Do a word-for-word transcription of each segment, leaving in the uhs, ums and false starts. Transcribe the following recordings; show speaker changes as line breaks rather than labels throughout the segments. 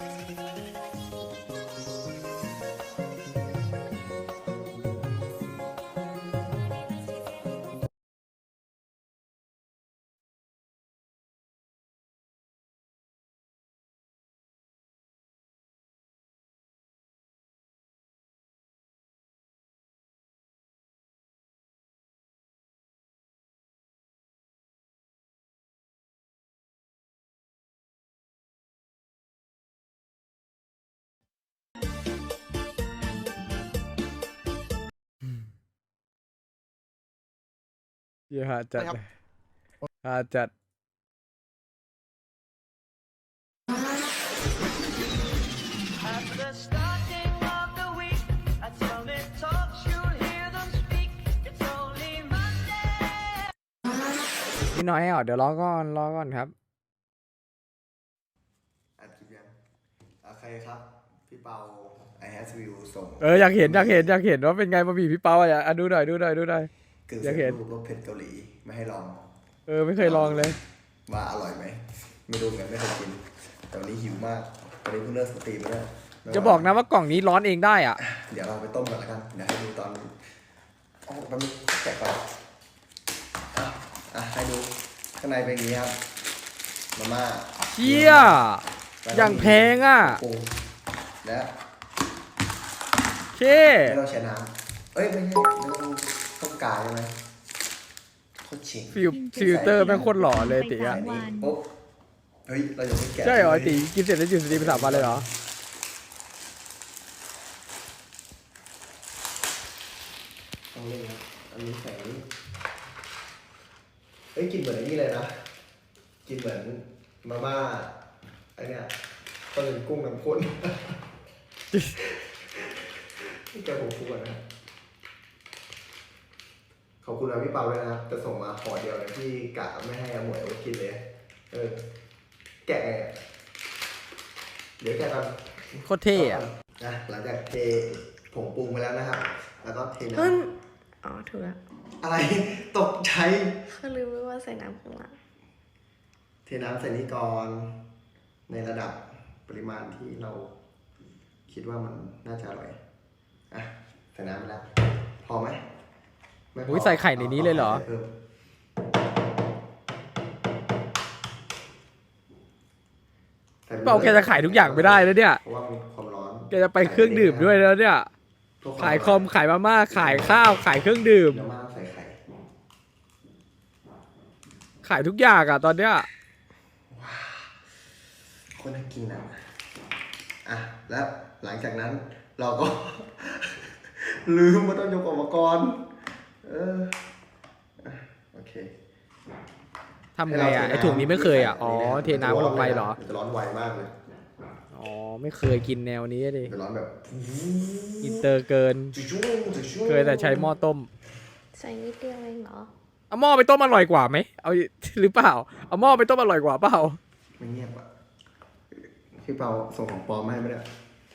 เยอะจัด
นะครับ
เลยฮาจัด พี่น้อยอ่ะเดี๋ยวรอก่อนรอก่อนครับ
อัดคลิปยังโอเคครับ พี่เปา I have view ส่ง
เอออยากเห็นอยากเห็นอยากเห็นว่าเป็นไงบะหมี่พี่เปาอ่ะอ่ะดูหน่อยดูหน่อยดูหน่อย
กึ่ง
อยาก
สำ
เห็
เร็
น
จรูปรสเผ็ดเกาหลีไม่ให้ลอง
เออไม่เคยลองเลย
ว่าอร่อยไหมไม่รู้เหมือนกันไม่เคยกินแต่วันนี้หิวมากตอนนี้เพิ่งเลิกสตรีมแล้ว
จะบอกนะว่ากล่องนี้ร้อนเองได้อ่ะ
เดี๋ยวเราไปต้มก่อนแล้วกันเดี๋ยวให้ดูตอนอ๋อแป๊บนึงแกะก่อนอ่ะอ่ะให้ดูข้างในเป็นอย่างนี้ครับมาม่า
เชี่ย
แล้วก็
อย่างแพงอ่ะ
ปรุงและ
เค
ไม่ต้องใช้น้ำเอ้ยไม่ใช่ไม่ต้องต้มกาใช่ไหมโคตรเจ๋ง
ฟิลฟิลเตอร์แม่งโคตรหล่อเลยติ
ใส่
อ่ะ
นี่ปุ๊บเฮ้ยเรายังไม่แกะ
ใช่เหรอ
ลย
ติกินเสร็จแล้วหยุดสตรีมไปสามวันเลยเหรอ
ต้องเล่นครับอันนี้ใส่นี่เฮ้ยกินเหมือนไอ้นี่เลยนะกินเหมือนมาม่าไอเนี้ยก็เป็นกุ้งน้ำข้นนี่แกผมฟูก่อนนะขอบคุณนะพี่เปาด้วยนะครับจะส่งมาห่อเดียวเลยที่กะไม่ให้อาหมวยเอาไปกินเลยเออแกะไงอะเดี๋ยวแกะกัน
โคตรเท่อะ
นะหลังจากเทผงปรุงไปแล้วนะครับ แล้วก็เทน้
เพิ่งอ๋อ ถูกแล้ว
ำอะไรตกใจ
เขาลืมไปว่าใส่น้ำข้างหลัง
เทน้ำใส่นี่ก่อนในระดับปริมาณที่เราคิดว่ามันน่าจะอร่อยอ่ะใส่น้ำไปแล้วพอไหมไม่พ
อุ้ยใส่ไข่ในนี้เลยเหรอ
พิ่มใส่ไป
เปาแกจะขายทุกอย่างไม่ได้แล้วเนี่ย
เพราะว่ามันความร้อน
แกจะไปเครื่องดื่มด้วยแล้วเนี่ย
เพื่ว
ขายคอมขายมาม่าขายข้าวขายเครื่องดื่ม
แล้วมาใส่ไข่
ขายทุกอย่างอ่ะตอนเนี้ย
คนน่ากินนะอ่ะแล้วหลังจากนั้นเราก็ ลืมว่าต้องยกอุปกรณ์เอออ่ะโอเค
ทำไงอ่ะไอถุงนี้ไม่เคยอ่ะอ๋อเทน้ำลงไปเหรอ
มันจะร้อนไวมากเลย
อ๋อไม่เคยกินแนวนี้ดิ
มันจะร้อนแบบ
อินเตอร์เกิน
จุ๊บๆ
เคยแต่ใช้หม้อต้ม
ใส่นิดเดียวเองเหรอ
เอาหม้อไปต้มอร่อยกว่าไหมเอาหรือเปล่าเอาหม้อไปต้มอร่อยกว่าเปล่า
ไม่เงียบอ่ะพี่เปาส่งของปลอมมาให้ไหมเนี่ย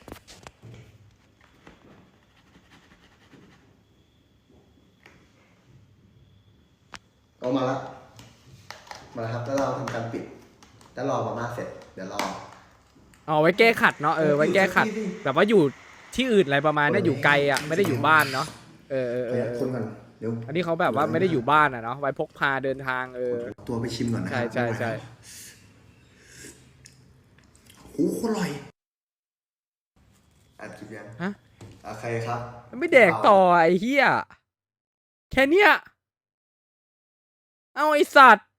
เอามาละมาแล้วครับแล้วเราทำการปิดแล้วรอมาม่าเสร็จเดี๋ยวรอ
เอาไว้แก้ขัดเนาะเออไว้แก้ขัดแบบว่าอยู่ที่อื่นอะไรประมาณเนี้ยอยู่ไกลอ่ะไม่ได้อยู่บ้านเนาะเออเออ
เอ
เอ
อ
อ
คนก่อนเดี๋ยว
อันนี้เขาแบบว่าไม่ได้อยู่บ้านอ่ะเนาะไว้พกพาเดินทางเออ
ตัวไปชิมก่อนนะ
ใช่ใช่ใช่
โอ้โหอร่อยอัดคลิปยัง
ฮะ
โอเคครับ
ไม่แดกต่อไอ้เหี้ยแค่เนี้ยเอาไอสัตว์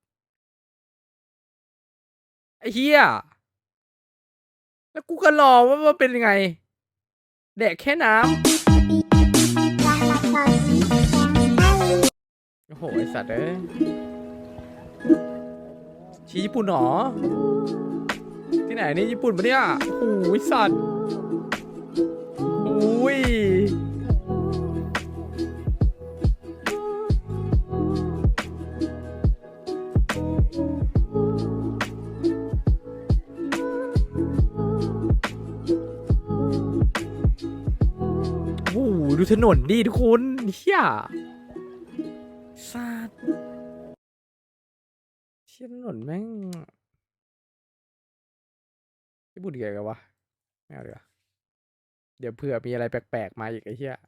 ไอ้เหี้ยแล้วกูก็รอว่ามันเป็นยังไงแดกแค่น้ำโอ้โหไอสัตว์เอ้ยชี้ญี่ปุ่นหรอที่ไหนนี่ญี่ปุ่นปะเนี่ยโอ้โหไอ้สัตว์อุ้ยโอ้โหดูถนนดิทุกคนเฮียสัตว์เชี่ยถนนแม่งญี่ปุ่นเกี่ยวกับวะไม่เอาดีกว่าเดี๋ยวเผื่อมีอะไรแปลกๆมาอีกไอ้เหี้ย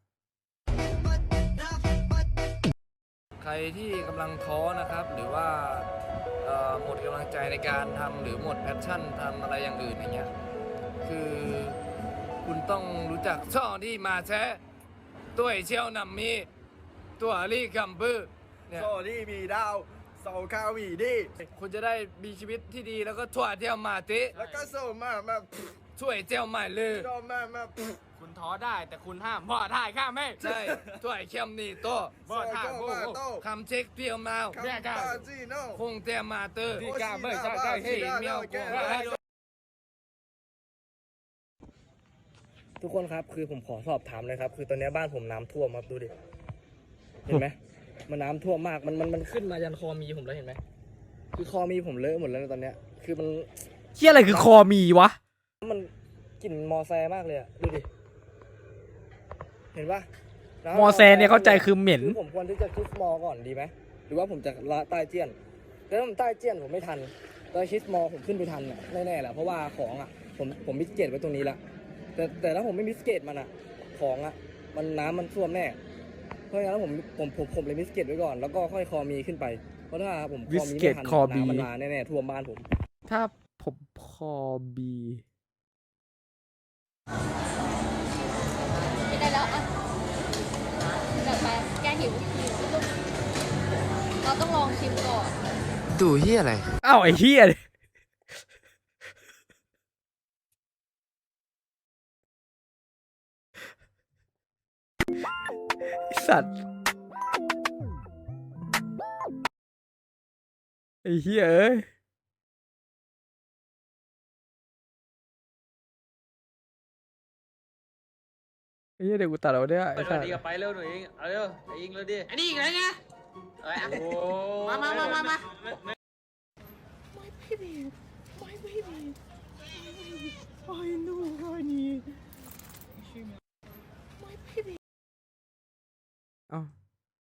ใครที่กำลังท้อนะครับ หรือว่าเอ่อหมดกำลังใจในการทำหรือหมดแพชชั่นทำอะไรอย่างอื่นอย่างเงี้ยคือคุณต้องรู้จักช่อที่มาแท้ตัวเชี่ยวนำมีตัวรี่กัมบือเนี่ย
โซนี่มีดาวโซคาวีดี
คุณจะได้มีชีวิตที่ดีแล้วก็ทั่วเที่ยวมาติ
แล้วก็โซมามา
ช่วยเที่ยวใหม่เลย
โซมามา
คุณท้อได้แต่คุณห้ามพ่อถ่ายข้าไม่
ใช่ช่วยเข้มนี่โต
โซโกมาโต
คำเช็คเพียวมา
คัมปาจีโน่
คงเตียมาเตอร์
โอชิดาบาชิดาโนแก
ทุกคนครับคือผมขอสอบถามเลยครับ คือตอนนี้บ้านผมน้ำท่วมครับดูดิเห็นไหมมันน้ำท่วมมากมันมันมันขึ้นมายันคอมีผมแล้วเห็นไหมคือคอมีผมเลอะหมดแล้วตอนเนี้ยคือมัน
เหี้ยอะไรคือคอมีวะ
มันกลิ่นมอแซมากเลยอะดูดิเห็นปะน้ำ
มอแซเนี่ยเข้าใจคือเหม็น
คือผมควรที่จะคิสมอก่อนดีไหมหรือว่าผมจะละใต้เจี้ยนแต่ถ้าผมใต้เจี้ยนผมไม่ทันแต่คิสมอผมขึ้นไปทันอะแน่ๆแหละเพราะว่าของอะผมผมมิสเกตไว้ตรงนี้ละแต่แต่ถ้าผมไม่มิสเกตมันอะของอะมันน้ำมันท่วมแน่เพราะงั้นผมผมผมผมเลยมิสเกตไว้ก่อนแล้วก็ค่อยคอมีขึ้นไปเพราะถ้าผมคอมีไม่ทัน
มิสเกตคอบี
น้ำมันมาแน่ๆท่วมบ้านผม
ถ้าผมคอบี
ไม่ได้แล้วอ่ะเดี๋ยวไปแกหิวหิวลูกเราต้องลองชิมก่อน
ดูเฮียอะไร
อ้าวไอ้เหี้ยไอ้สัตว์ไอ้เหี้ยเอ้ยไอ้เหี้ยเดี๋ยวกูตัดเอาเนี่ยไอ้
เปิด
สั
วัน
ตว์
ดีกับไปเร็วหน่อยเองเอาเร็วไอ้ยิงเร็วดิ
ไอ้นี่อีกแล้วไง
เอ้ยโอ้
มามามามามา
เอ้า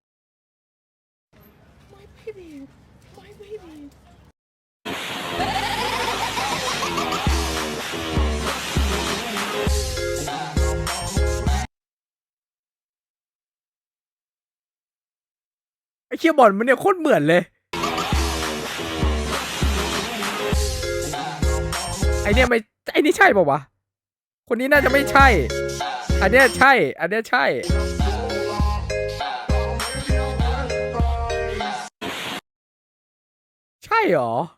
ไอ้เคียบอลมันเนี่ยโคตรเหมือนเลย ไอเนี่ยไม่ไอนี่ใช่ป่าวะ คนนี้น่าจะไม่ใช่ อันเนี้ยใช่ อันเนี้ยใช่ ใช่เหรอ